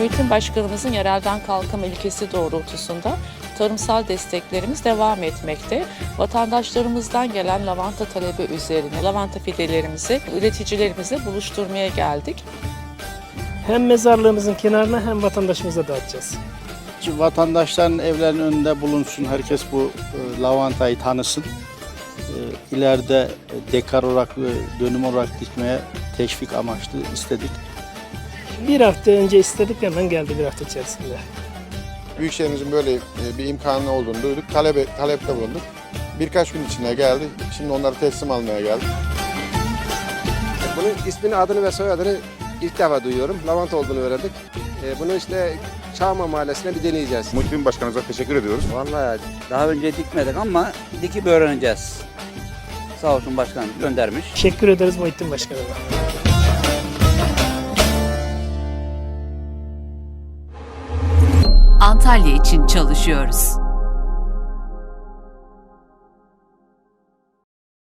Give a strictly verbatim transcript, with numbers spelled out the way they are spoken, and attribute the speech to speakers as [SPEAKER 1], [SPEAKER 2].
[SPEAKER 1] Muhittin Başkanımızın yerelden kalkınma ilkesi doğrultusunda tarımsal desteklerimiz devam etmekte. Vatandaşlarımızdan gelen lavanta talebi üzerine lavanta fidelerimizi üreticilerimizle buluşturmaya geldik.
[SPEAKER 2] Hem mezarlığımızın kenarına hem vatandaşımıza dağıtacağız.
[SPEAKER 3] Vatandaşların evlerinin önünde bulunsun, herkes bu e, lavantayı tanısın. E, ileride dekar olarak ve dönüm olarak dikmeye teşvik amaçlı istedik.
[SPEAKER 2] Bir hafta önce istedik, hemen geldi bir hafta içerisinde.
[SPEAKER 4] Büyükşehirimizin böyle bir imkanı olduğunu duyduk, talebe, talepte bulunduk. Birkaç gün içinde geldi, şimdi onları teslim almaya geldik.
[SPEAKER 5] Bunun ismini, adını ve soyadını ilk defa duyuyorum. Lavanta olduğunu öğrendik. Bunu işte Çağma Mahallesi'ne bir deneyeceğiz.
[SPEAKER 4] Muhittin Başkanımıza teşekkür ediyoruz.
[SPEAKER 6] Vallahi daha önce dikmedik ama dikip öğreneceğiz. Sağ olsun başkan göndermiş.
[SPEAKER 2] Teşekkür ederiz Muhittin Başkanı'na.
[SPEAKER 7] Antalya için çalışıyoruz.